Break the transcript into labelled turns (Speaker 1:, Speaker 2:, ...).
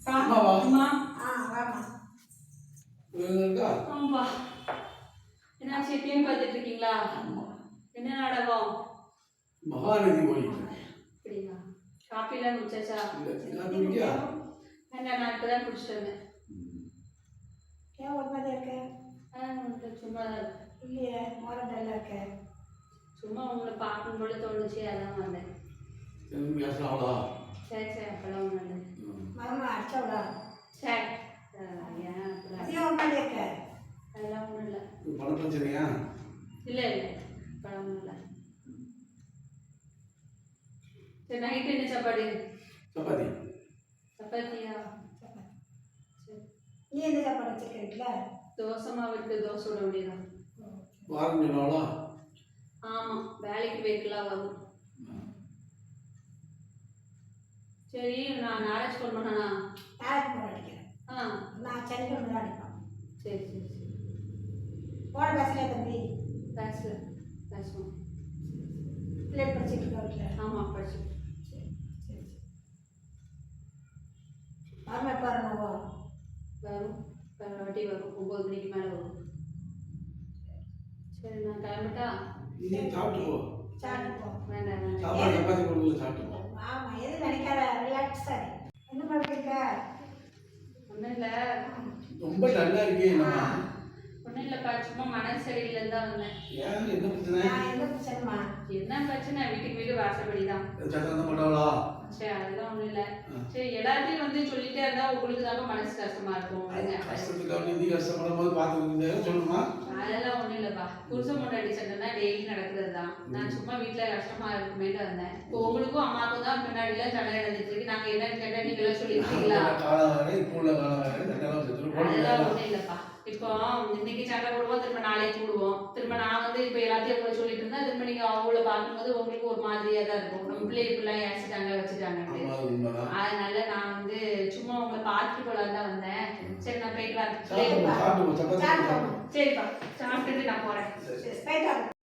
Speaker 1: அம்மாவா?
Speaker 2: அம்மா.
Speaker 3: வாமா.
Speaker 1: இருக்கா?
Speaker 2: ஆமாப்பா. என்னாச்சு டிவி பார்த்துட்டு இருக்கீங்களா? என்ன நாடகம்?
Speaker 1: மகாநதி ஓடிட்டு.
Speaker 2: அப்படியா? காப்பிலாம் குடிச்சாச்சா?
Speaker 1: இல்ல.
Speaker 2: என்ன நான் இப்பதான் குடிச்சிட்டு வந்தேன்.
Speaker 3: ஏன் ஒரு மாதிரி இருக்க?
Speaker 2: சும்மா தான் இருக்கு.
Speaker 3: இல்லையே, மரம் நல்லா இருக்க.
Speaker 2: சும்மா உங்களை பார்க்கணும் போல தோணுச்சு, அதான் வந்தேன்.
Speaker 1: பேசலாம்டா.
Speaker 2: சரி சரி, அப்பெல்லாம் ஒன்றும் இல்லை.
Speaker 3: மரமா அடிச்சவளா?
Speaker 2: சரி ஏன் அப்படிலாம்?
Speaker 3: ஏன் ஒரு மாதிரி இருக்க?
Speaker 2: அதெல்லாம் ஒன்றும் இல்லை.
Speaker 1: பண பிரச்சனையா?
Speaker 2: இல்லை இல்லை, அப்பெல்லாம் ஒன்றும் இல்லை. சரி, நைட்டு என்ன சாப்பாடு?
Speaker 1: சப்பாத்தி.
Speaker 2: சப்பாத்தியா?
Speaker 3: சப்பாத்தி.
Speaker 2: சரி.
Speaker 3: நீ எந்த சாப்பாடு வச்சிருக்க வீட்டில்?
Speaker 2: தோசை மாவு இருக்கு, தோசை விட முடியலாம்.
Speaker 1: வாரம் சொன்னாவளா?
Speaker 2: ஆமாம், வேலைக்கு போய்க்கலாம் வரும். சரி, நான் நாராஜ் ஃபோன் பண்ணனா?
Speaker 3: நாளைக்கு போன் அடிக்கிறேன். நான் சனிக்கிழமை தான் அடிப்பேன்.
Speaker 2: சரி சரி சரி.
Speaker 3: போன பேசலையா தம்பி?
Speaker 2: பேசுவோம்.
Speaker 3: பிள்ளைகள் படிச்சுட்டு இருக்கா வீட்டில்?
Speaker 2: ஆமாம், படிச்சு.
Speaker 3: சரி சரி சரி. மரமா எப்போ வரணுவோ?
Speaker 2: வரும், வாட்டி வரும், 9 மணிக்கு மேலே வரும். சரி, நான் கிளம்பிட்டா?
Speaker 1: நீ சாப்பிட்டு போ.
Speaker 3: சாப்பிட்டு போ.
Speaker 2: வேண்டாம் வேண்டாம்.
Speaker 1: சாப்பாடு சப்பாத்தி கொடுத்து சாப்பிட்டு போ.
Speaker 3: ஆமாம், எதுவும் நினைக்காத, ரிலாக்ஸாக இரு. என்ன பண்ணிருக்க?
Speaker 2: ஒன்றும் இல்லை.
Speaker 1: ரொம்ப நல்லா இருக்கே என்னம்மா?
Speaker 2: ஒன்றும் இல்லைப்பா, சும்மா மனசு சரியில்லைன்னு தான் வந்தேன்.
Speaker 1: ஏன் என்ன பிரச்சனை?
Speaker 3: நான் என்ன பிரச்சனைமா?
Speaker 2: என்ன பிரச்சனை? வீட்டுக்கு வீடு வாசப்படி தான்.
Speaker 1: சட்டம் தான் பண்ணாவளா?
Speaker 2: சரி, அதெல்லாம் ஒன்றும் இல்லை. சரி, எல்லாத்தையும் வந்து சொல்லிட்டே இருந்தால் உங்களுக்கு தாங்க மனசு கஷ்டமா இருக்கும்.
Speaker 1: கஷ்டத்துக்காக நீ கஷ்டப்படும் போது பார்த்து சொல்லுமா?
Speaker 2: அதெல்லாம் ஒன்றும் இல்லைப்பா, புருஷன் முன்னாடி சண்டைனா டெய்லி நடக்கிறது தான். நான் சும்மா வீட்டில் கஷ்டமா இருக்குமேட்டு வந்தேன். இப்போ உங்களுக்கும் அம்மாவுக்கும் தான் முன்னாடிலாம் சண்டை நடந்துட்டு இருக்கு. நாங்கள் என்னன்னு கேட்டால் நீங்களாம் சொல்லியிருக்கீங்களா?
Speaker 1: காலம் வேறு, இப்போ உள்ள காலம் வேறு, சட்டம்
Speaker 2: அதெல்லாம் ஒன்றும் இல்லைப்பா. இப்போ இன்னைக்கு சண்டை போடுவோம், திரும்ப நாளைக்கு போடுவோம். திரும்ப நான் வந்து இப்போ எல்லாத்தையும் உங்களை சொல்லிட்டு இருந்தா திரும்ப நீங்கள் அவங்கள பார்க்கும்போது உங்களுக்கு ஒரு மாதிரியாக தான் இருக்கும். நம்ம பிள்ளை இப்படிலாம் ஏசிட்டாங்க வச்சுட்டாங்கன்ட்டு. அதனால நான் வந்து சும்மா உங்களை பார்த்துட்டு போலான்னு தான் வந்தேன். சரி, நான் போயிட்டு வரேன். சரிப்பா, சாப்பிட்டுட்டு நான் போகிறேன்.